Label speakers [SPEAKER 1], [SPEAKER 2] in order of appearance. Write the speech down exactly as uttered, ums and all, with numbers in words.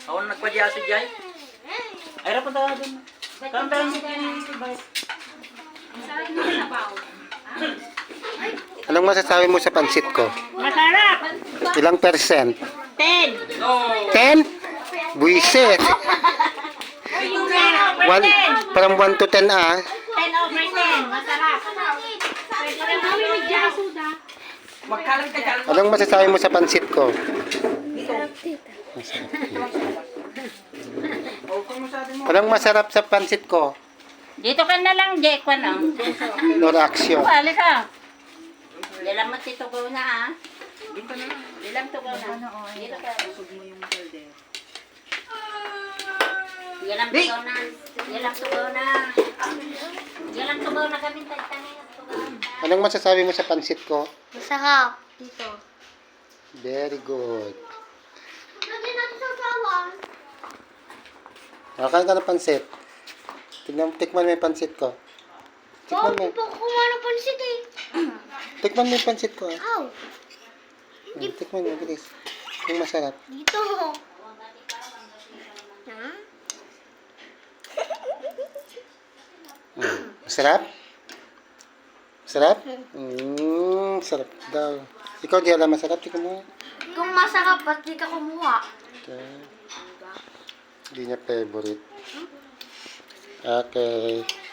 [SPEAKER 1] Ako na nagpadya si Jai. Ay, rapat ako dun. Kamdahan mo kayo ng ibay.
[SPEAKER 2] Anong masasabi mo sa pansit ko?
[SPEAKER 3] Masarap!
[SPEAKER 2] Ilang percent?
[SPEAKER 3] Ten!
[SPEAKER 2] ten? Buisit. One, from one to ten ah.
[SPEAKER 3] Ten over ten. Masarap. Pwede rin kami mag-jasuda.
[SPEAKER 1] Magkalan ka dyan.
[SPEAKER 2] Anong masasabi mo sa pansit ko? Anong masarap sa pansit ko?
[SPEAKER 3] Dito ka na lang, Jake. Ano?
[SPEAKER 2] No reaction.
[SPEAKER 3] Balik ka. Dilam mo si Tugaw na, ha? Dilam Tugaw na. Dito ka. Dilam Tugaw na. Dilam Tugaw na. Dilam Tugaw na kami. Tanay ng Tugaw.
[SPEAKER 2] Anong masasabi mo sa pansit ko?
[SPEAKER 4] Masarap dito.
[SPEAKER 2] Very good.
[SPEAKER 4] Lagyan natin sa sawan.
[SPEAKER 2] Nakain ka ng pansit. Tignan, tikman mo yung pansit ko.
[SPEAKER 4] Wow,
[SPEAKER 2] Tikman mo.
[SPEAKER 4] hindi pa ako kumain ng pansit eh.
[SPEAKER 2] Tikman mo yung pansit ko. ah.
[SPEAKER 4] Ow.
[SPEAKER 2] Hmm, tikman mo, bilis. Yung masarap.
[SPEAKER 4] Dito. Ha?
[SPEAKER 2] Hmm, masarap? Masarap? Hmm, sarap daw. Ikaw di alam masarap, tikman mo.
[SPEAKER 4] Kung masarap, ba't di ka kumuha?
[SPEAKER 2] Okay. Hindi niya favorite. Okay.